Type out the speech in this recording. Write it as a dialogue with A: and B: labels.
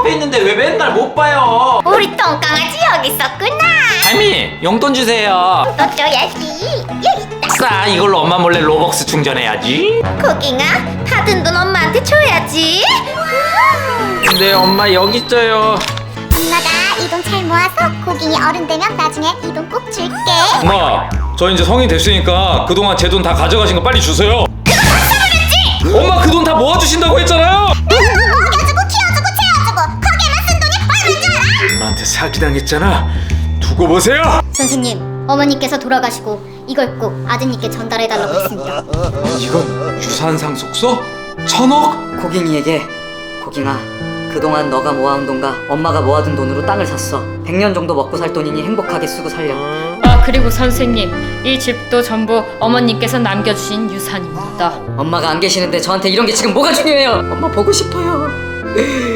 A: 앞에 있는데 왜 맨날 못 봐요?
B: 우리 똥강아지 여기 있었구나.
A: 할미, 용돈 주세요.
B: 또 줘야지. 여기 있다.
A: 싸, 이걸로 엄마 몰래 로벅스 충전해야지.
B: 고깅아, 받은 돈 엄마한테 줘야지.
A: 근데 엄마 여기 있어요.
B: 엄마가 이 돈 잘 모아서 고깅이 어른 되면 나중에 이 돈 꼭 줄게.
C: 엄마, 저 이제 성인 됐으니까 그동안 제 돈 다 가져가신 거 빨리 주세요. 엄마 그 돈 다 모아주신다고 했잖아요.
B: 먹여주고 키워주고 채워주고 거기에만 쓴 돈이 얼마인 줄 알아?
C: 엄마한테 사기당했잖아. 두고 보세요.
B: 선생님, 어머니께서 돌아가시고 이걸 꼭 아드님께 전달해달라고 했습니다.
C: 이건 유산 상속서? 1,000억?
D: 고깅이에게 고깅아, 그동안 너가 모아온 돈과 엄마가 모아둔 돈으로 땅을 샀어. 100년 정도 먹고 살 돈이니 행복하게 쓰고 살려.
E: 아, 그리고 선생님, 이 집도 전부 어머님께서 남겨주신 유산입니다.
D: 엄마가 안 계시는데 저한테 이런 게 지금 뭐가 중요해요? 엄마 보고 싶어요.